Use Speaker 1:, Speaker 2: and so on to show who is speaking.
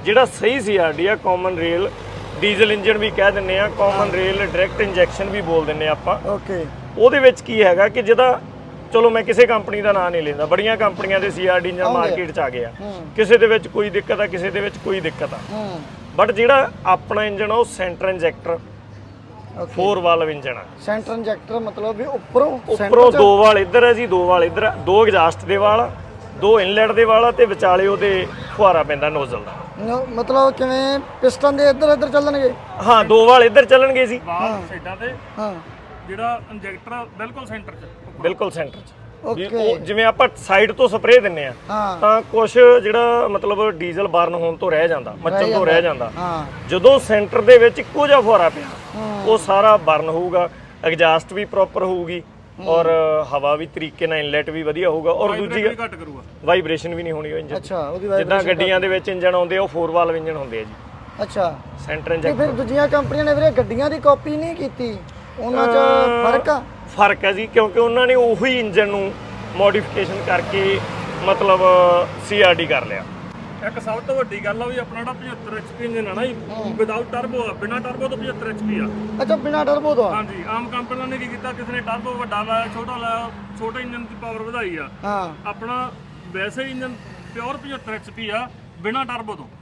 Speaker 1: ਜਿਹੜਾ ਸਹੀ ਸੀਆਰਡੀ ਆ ਕਾਮਨ ਰੇਲ ਡੀਜ਼ਲ ਇੰਜਨ ਵੀ ਕਹਿ ਦਿੰਨੇ ਆ, ਕਾਮਨ ਰੇਲ ਡਾਇਰੈਕਟ ਇੰਜੈਕਸ਼ਨ ਵੀ ਬੋਲ ਦਿੰਨੇ ਆਪਾਂ।
Speaker 2: ਓਕੇ।
Speaker 1: ਉਹਦੇ ਵਿੱਚ ਕੀ ਹੈਗਾ ਕਿ ਜਿਹਦਾ ਚਲੋ ਮੈਂ ਕਿਸੇ ਕੰਪਨੀ ਦਾ ਨਾਂ ਨਹੀਂ ਲੈਂਦਾ, ਬੜੀਆਂ ਕੰਪਨੀਆਂ ਦੇ ਸੀਆਰਡੀ ਇੰਜਨ ਮਾਰਕੀਟ 'ਚ ਆ ਗਏ ਆ, ਕਿਸੇ ਦੇ ਵਿੱਚ ਕੋਈ ਦਿੱਕਤ ਆ, ਕਿਸੇ ਦੇ ਵਿੱਚ ਕੋਈ ਦਿੱਕਤ ਆ। ਬਟ ਜਿਹੜਾ ਆਪਣਾ ਇੰਜਨ ਆ ਉਹ ਸੈਂਟਰ ਇੰਜੈਕਟਰ 4 ਵਾਲਵ ਇੰਜਨ ਆ।
Speaker 2: ਸੈਂਟਰ ਇੰਜੈਕਟਰ ਮਤਲਬ ਵੀ ਉੱਪਰੋਂ
Speaker 1: 2 ਵਾਲ ਇੱਧਰ ਹੈ ਜੀ, 2 ਵਾਲ ਇੱਧਰ ਆ, 2 ਐਗਜ਼ਾਸਟ ਦੇ ਵਾਲ, 2 ਇਨਲੈਟ ਦੇ ਵਾਲ ਆ ਤੇ ਵਿਚਾਲੇ ਉਹਦੇ ਫੁਹਾਰਾ ਪੈਂਦਾ ਨੋਜ਼ਲ ਦਾ।
Speaker 2: ਮਤਲਬ ਕਿਵੇਂ ਪਿਸਟਨ ਦੇ ਇੱਧਰ ਚੱਲਣਗੇ?
Speaker 1: ਹਾਂ 2 ਵਾਲ ਇੱਧਰ ਚੱਲਣਗੇ ਜੀ,
Speaker 3: ਵਾਲ ਸਾਈਡਾਂ ਤੇ,
Speaker 2: ਹਾਂ
Speaker 3: ਜਿਹੜਾ ਇੰਜੈਕਟਰ ਬਿਲਕੁਲ ਸੈਂਟਰ 'ਚ,
Speaker 1: ਬਿਲਕੁਲ ਸੈਂਟਰ 'ਚ।
Speaker 2: ਓਕੇ।
Speaker 1: ਉਹ ਜਿਵੇਂ ਆਪਾਂ ਸਾਈਡ ਤੋਂ ਸਪਰੇਅ ਦਿੰਨੇ ਆ ਤਾਂ ਕੁਝ ਜਿਹੜਾ ਮਤਲਬ ਡੀਜ਼ਲ ਬਰਨ ਹੋਣ ਤੋਂ ਰਹਿ ਜਾਂਦਾ, ਮੱਚਣ ਤੋਂ ਰਹਿ ਜਾਂਦਾ, ਜਦੋਂ ਸੈਂਟਰ ਦੇ ਵਿੱਚ ਇੱਕੋ ਜਿਹਾ ਫੁਹਾਰਾ ਪਿਆ ਉਹ ਸਾਰਾ ਬਰਨ ਹੋਊਗਾ, ਐਗਜ਼ਾਸਟ ਵੀ ਪ੍ਰੋਪਰ ਹੋਊਗੀ ਔਰ ਹਵਾ ਵੀ ਤਰੀਕੇ ਨਾਲ ਇਨਲੈਟ ਵੀ ਵਧੀਆ ਹੋਊਗਾ ਔਰ ਦੂਜੀ
Speaker 3: ਘੱਟ ਕਰੂਗਾ,
Speaker 1: ਵਾਈਬ੍ਰੇਸ਼ਨ ਵੀ ਨਹੀਂ ਹੋਣੀ ਉਹ ਇੰਜਨ।
Speaker 2: ਅੱਛਾ, ਉਹਦੀ
Speaker 1: ਜਿੱਦਾਂ ਗੱਡੀਆਂ ਦੇ ਵਿੱਚ ਇੰਜਨ ਆਉਂਦੇ ਆ ਉਹ 4 ਵਾਲਵ ਇੰਜਨ ਹੁੰਦੇ ਆ ਜੀ।
Speaker 2: ਅੱਛਾ।
Speaker 1: ਸੈਂਟਰ
Speaker 2: ਤੇ
Speaker 1: ਇੰਜੈਕਟਰ
Speaker 2: ਫਿਰ ਦੂਜੀਆਂ ਕੰਪਨੀਆਂ ਨੇ ਵੀਰੇ ਗੱਡੀਆਂ ਦੀ ਕਾਪੀ ਨਹੀਂ ਕੀਤੀ, ਉਹਨਾਂ 'ਚ ਫਰਕ ਆ?
Speaker 1: ਫਰਕ ਹੈ ਜੀ, ਕਿਉਂਕਿ ਉਹਨਾਂ ਨੇ ਉਹੀ ਇੰਜਨ ਨੂੰ ਮੋਡੀਫਿਕੇਸ਼ਨ ਕਰਕੇ ਮਤਲਬ ਸੀਆਰਡੀ ਕਰ ਲਿਆ।
Speaker 3: ਇੱਕ ਸਭ ਤੋਂ ਵੱਡੀ ਗੱਲ ਆ ਵੀ ਆਪਣਾ ਜਿਹੜਾ 75 HP ਇੰਜਨ ਆ ਨਾ ਜੀ, ਵਿਦਆਊਟ ਟਰਬੋ ਆ, ਬਿਨਾ ਟਰਬੋ ਤੋਂ 75 HP ਆ।
Speaker 2: ਅੱਛਾ, ਬਿਨਾ ਟਰਬੋ ਤੋਂ?
Speaker 3: ਹਾਂਜੀ, ਆਮ ਕੰਪਨੀਆਂ ਨੇ ਕੀ ਕੀਤਾ, ਕਿਸੇ ਨੇ ਟਰਬੋ ਵੱਡਾ ਲਾਇਆ, ਛੋਟਾ ਲਾਇਆ, ਛੋਟੇ ਇੰਜਨ ਦੀ ਪਾਵਰ ਵਧਾਈ ਆ।
Speaker 2: ਹਾਂ,
Speaker 3: ਆਪਣਾ ਵੈਸੇ ਇੰਜਨ ਪਿਓਰ 75 HP ਆ, ਬਿਨਾ ਟਰਬੋ ਤੋਂ।